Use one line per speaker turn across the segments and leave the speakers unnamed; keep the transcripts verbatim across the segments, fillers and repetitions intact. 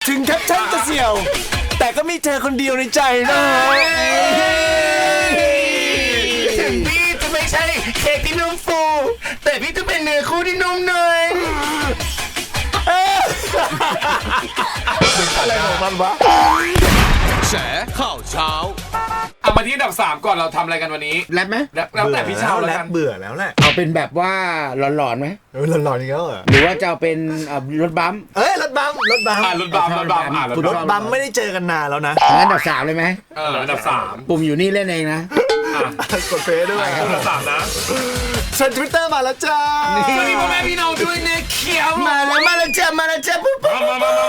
ถึงแคปชั่นจะเสี่ยวแต่ก็มีเธอคนเดียวในใจนะ
ถึงพี่จะไม่ใช่เค้กที่นุ่มฟูแต่พี่จะเป็นเนื้อคู่ที่นุ่มเนย
อะไรของมันวะ
แฉข่าวเช้า
เอามาที่อันดับสามก่อนเราทำอะไรกันวันนี้
แรปไหม
แล้วแต่พี่เช้าแล้วกัน
เบื่อแล้วแหละ
เอาเป็นแบบว่าหลอนๆไหม
เออหลอนๆอีกแล้วเหรอ
หรือว่าจะเอาเป็นรถบัม
เอ้ยรถบัมรถบัม
อ่ารถบัมรถบัมอ่าร
ถบัมไม่ได้เจอกันนานแล้วนะ
อันดับสามเลยไหม
เอออันดับสาม
ปุ่มอยู่นี่เล่นเองนะ
กดเฟซด้วย
อันดับสามนะ
เชิญทวิตเตอร์มาแล้วจ้า
สวัสดีพ่อแม่พี่น้องด้วยเนี่ยเขียว
มาแล้วมาแล้วจ้ามาแล้วจ้าปุ๊บปุ๊บ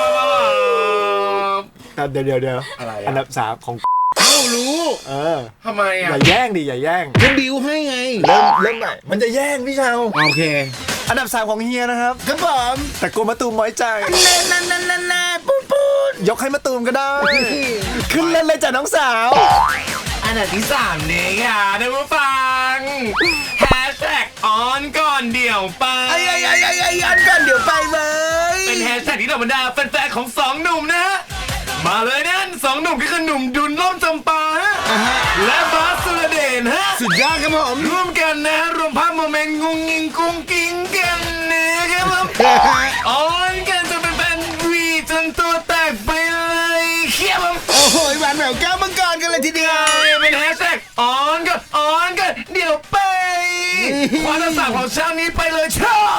เดี๋ยวเดี๋ยวเดี๋ยวอันดับสามของ
เอ้ารู้
เออ
ทำไมอ่ะ
อย่าแย่งดิอย่าแย่ง
จะบิวให้ไง
เริ่มเริ่มใหม่มันจะแย่งพี่เชา
โอเค
อันดับสามของเฮียนะครับ
ครับผม
แต่กลัวมะตูมน้อยใจ
นั่นนั่นนั่นนั่นปุ๊บปุ๊บ
ยกให้มะตูมก็ได้ขึ้นเล่นเลยจ้ะน้องสาว
อันดับที่สามนี่ค่ะท่านผู้ฟังแฮชแท็กออนก่อนเดี๋ยวไป
ไอ้ไอ้ไอ้ไอ้ไอ้ออนก่อนเดี๋ยวไปเลย
เป็นแฮชแท็กที่เหล่าบรรดาแฟนๆของสองหนุ่มนะฮะมาเลยนั่นสองหนุ่มก็คือหนุ่มดุลล่มจำปาฮะและบาสสุรเดชฮะ
สุดยอดครับผม
ร่วมกันนะรวมภาพโมเมนต์งุงงิงกุ้งกิ้งกันนะครับผมออนกันจะเป็นแฟนวีจนตัวแตกไปเลยเขี้ยว
โอ้โหหวานแหววแก้วมังกรกันเลยทีเดียว
เป็นแฮชแท็กออนกันออนกันเดี๋ยวไปความตั้งสามของเช้านี้ไปเลยชอบ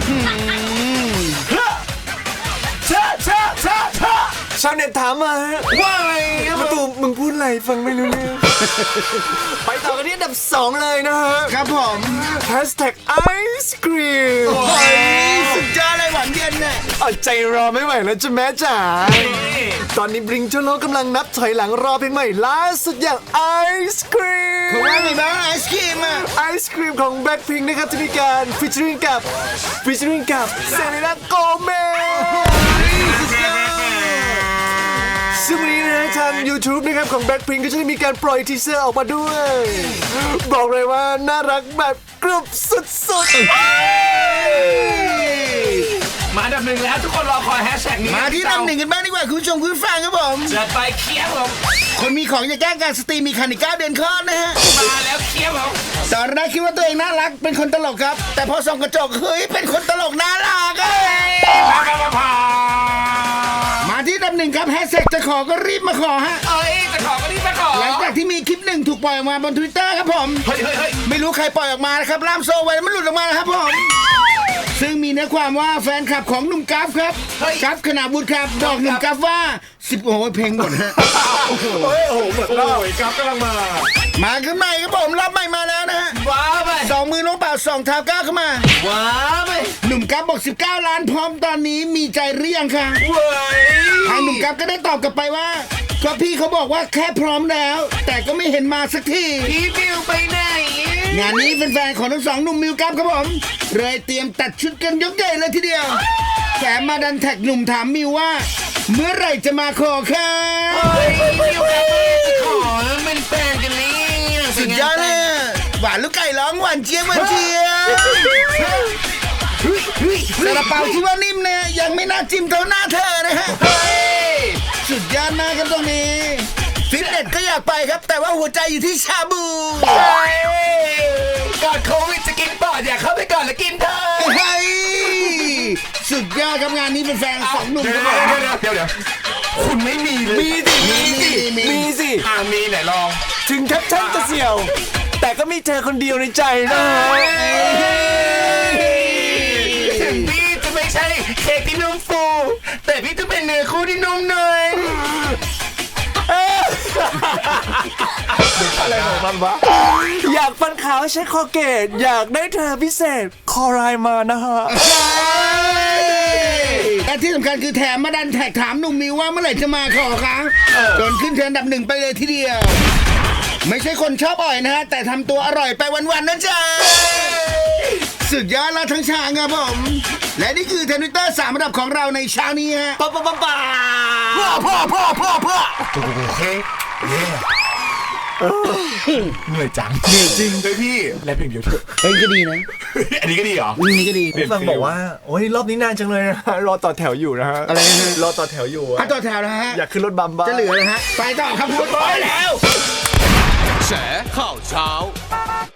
ชาชาชาชา
ชาวเน็ตถามมา
ว่าไง
มะตูมมึงพูดอะไรฟังไม่รู้เรื่องไปต่อกันที่อันดับสองเลยนะฮะ
ครับผม
แฮชแท็กไอศครีม
โอ้ยสุดยอดเลยหวานเย็นเนี่ย
อดใจรอไม่ไหวแล้วจ้ะแม่จ๋าตอนนี้บริงโจโลกำลังนับถอยหลังรอเพลงใหม่ล่าสุดอย่างไอศครีม
ของว่าไงบ้างไอศครีมอ่ะ
ไอศครีมของแบล็คพิงค์นะครับจะมีการฟีเจอริ่งกับฟีเจอริ่งกับเซเลน่าโกเมซึ่งวันนี้นะทาง YouTube นะครับของ Blackpink ก็จะมีการปล่อยทีเซอร์ออกมาด้วยบอกเลยว่าน่ารักแบบกรุบสุด
ๆมาอันดับหนึ่งแล้วทุกคนรอคอยแฮชแท็กนี้
มาที่อันดับหนึ่งกันบ้างดีกว่าคุณผู้ชมคุณฟังครับผม
จะไปเคี้ยวผม
คนมีของจะแก้การสตรีมีคันอีกเก้าเดือนคลอดนะฮะ
มาแล้วเคี้ยวผม
ตอนแรกคิดว่าตัวเองน่ารักเป็นคนตลกครับแต่พอส่องกระจกเฮ้ยเป็นคนตลกน่ารักเอ้ยมาที่อันดับหนึ่งครับแฮชแท็กจะขอก็รีบมาขอฮะ
เอ้ยจะขอก็รีบมาขอ
หลังจากที่มีคลิปหนึ่งถูกปล่อยออกมาบน Twitter ครับผม
เฮ้ยเฮ้ย
ไม่รู้ใครปล่อยออกมานะครับล่ามโซ่ไว้มันหลุดออกมาครับผมซึ่งมีเนื้อความว่าแฟนคลับของหนุ่มกัฟครับกัฟขนาบุตรครับบอกหนุ่มกัฟว่าสิบโอ้ยเพลงหมดฮะ
โอ้โหโอ้โหหมดแล้วกัฟกำลังมา
มาขึ้นใหม่ครับผมรอบใหม่มาแล้วนะฮะ
ว้าไป
สองมือน้องเปล่าสองเท้าก้าวเข้ามา
ว้าไป
หนุ่มกัฟบอกสิบเก้าล้านพร้อมตอนนี้มีใจเรียงค่ะ
เว้ย
ทางหนุ่มกัฟก็ได้ตอบกลับไปว่าก็พี่เขาบอกว่าแค่พร้อมแล้วแต่ก็ไม่เห็นมาสักที
พี่มิวไปไหน
งานนี้แฟนๆของทั้งสองหนุ่มมิวกัฟครับผมเลยเตรียมตัดชุดกันยกใหญ่เลยทีเดียวแถมมาดันแท็กหนุ่มถามมิวว่าเมื่อไหร่จะมาขอค่ะ
เฮ้ยมิวกัฟจะขอเป็นแฟนกันนี่
สุดยอดเลยหวานลูกไก่ร้องหวานเจี๊ยบหวานเจี๊ยบซาลาเปาที่ว่านิ่มเนี่ยยังไม่น่าจิ้มเท่าหน้าเธอนะฮะสุดยอดมากครับตรงนี้ฟิตเนสก็อยากไปครับแต่ว่าหัวใจอยู่ที่ชาบู
ก่อนโควิดจะกินปอดอยากเข้าไปก่อนแล้วกินเธอ
เฮ้ยสุดยอดครับงานนี้เป็นแฟนสองหนุ่มครับ
เดี๋ยวเดี๋ยวเดี๋ยวเดี๋ยวคุณไม่มีเลย
มีสิมีสิมีสิ
อ่ามีไหนลอง
ถึงแคปชั่นจะเสี่ยวแต่ก็มีเธอคนเดียวในใจนะ
ถึงพี่จะไม่ใช่เค้กที่นุ่มฟูแต่พี่จะเป็นเนื้อคู่ที่นุ่มเนย
อะไรของมันวะอยากฟันขาวใช้คอเกตอยากได้เธอพิเศษคอไรมานะฮะ
และที่สำคัญคือแถมมาดันแท็กถามหนุ่มมิวว่าเมื่อไหร่จะมาขอคะจนขึ้นเทรนด์อันดับหนึ่งไปเลยทีเดียวไม่ใช่คนชอบอ่อยนะฮะแต่ทำตัวอร่อยไปวันๆนะจ๊ะสุดยอดแล้วทั้งช้างครับผมและนี่คือเทรนด์ทวิตเตอร์สามอันดับของเราในเช้านี้ฮะ
ป๊าป๊าป๊าป๊า
พ่อพ่อพ่อพ่อพ่อ
โอเคเหนื่อยจัง
เหนื่อยจริง
เลยพี่แลเพลงเดียวเถอะ
เฮ้ยก็ดีนะ
อันนี้ก็ดีเหรอ
อืมนี่ก็ดี
ผู้ฟังบอกว่าโอ้ยรอบนี้นานจังเลยนะฮะรอต่อแถวอยู่นะฮะ
อะไรนะฮะ
รอต่อแถวอยู่อะ
อ่ะต่อแถวนะฮะ
อยากขึ้นรถบัมบ้าง
จะเหลือเลยฮะไปต่อครับพูดไปแล้ว
แฉข่าวเช้า